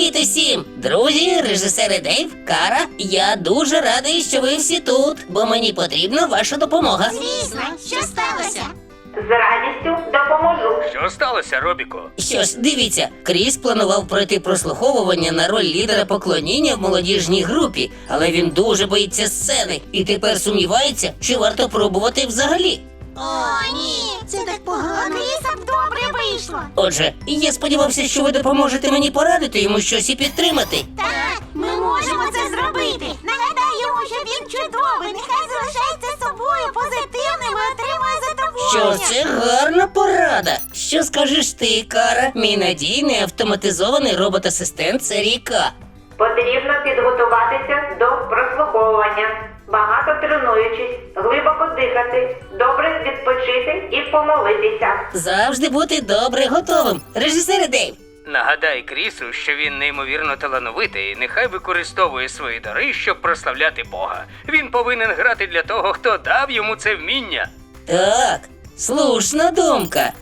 Привіт усім! Друзі, режисери Дейв, Кара, я дуже радий, що ви всі тут, бо мені потрібна ваша допомога. Звісно, що сталося? З радістю допоможу. Що сталося, Робіко? Що ж, дивіться, Кріс планував пройти прослуховування на роль лідера поклоніння в молодіжній групі, але він дуже боїться сцени і тепер сумнівається, чи варто пробувати взагалі. О, ні, це так погано. Кріса б добре вийшло. Отже, я сподівався, що ви допоможете мені порадити йому щось і підтримати. Так, ми можемо це зробити. Нагадай йому, що він чудовий. Нехай залишається собою позитивним і отримує Що задоволення. ж, це гарна порада. Що скажеш ти, Кара, мій надійний автоматизований робот-асистент серії К? Потрібно підготуватися до прослуховування. Багато тренуючись, глибоко дихати, добре відпочити і помолитися. Завжди бути добре готовим. Режисер Дейв. Нагадай Крісу, що він неймовірно талановитий і нехай використовує свої дари, щоб прославляти Бога. Він повинен грати для того, хто дав йому це вміння. Так, слушна думка.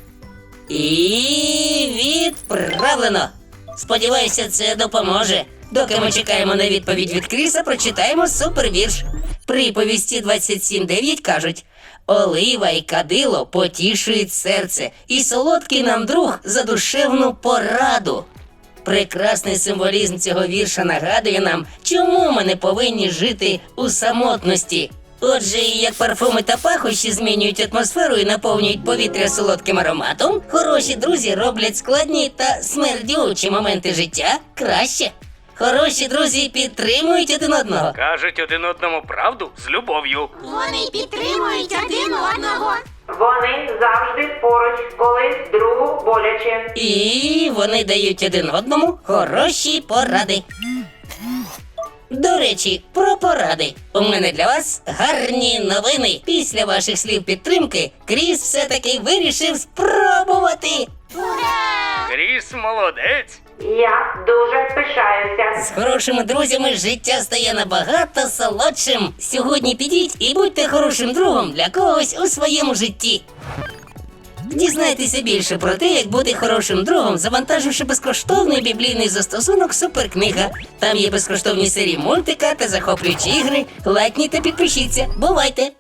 І відправлено. Сподіваюся, це допоможе. Доки ми чекаємо на відповідь від Кріса, прочитаємо супервірш. Приповісті 27.9 кажуть: олива й кадило потішують серце, і солодкий нам друг за душевну пораду. Прекрасний символізм цього вірша нагадує нам, чому ми не повинні жити у самотності. Отже, як парфуми та пахощі змінюють атмосферу і наповнюють повітря солодким ароматом, хороші друзі роблять складні та смердючі моменти життя краще. Хороші друзі підтримують один одного. Кажуть один одному правду з любов'ю. Вони підтримують один одного. Вони завжди поруч, коли другу боляче. І вони дають один одному хороші поради. До речі, про поради. У мене для вас гарні новини. Після ваших слів підтримки Кріс все-таки вирішив спробувати. Ура! Кріс молодець. Я дуже пишаюся. З хорошими друзями життя стає набагато солодшим. Сьогодні підіть і будьте хорошим другом для когось у своєму житті. Дізнайтеся більше про те, як бути хорошим другом, завантаживши безкоштовний біблійний застосунок «Суперкнига». Там є безкоштовні серії мультика та захоплюючі ігри. Лайкніть та підпишіться. Бувайте!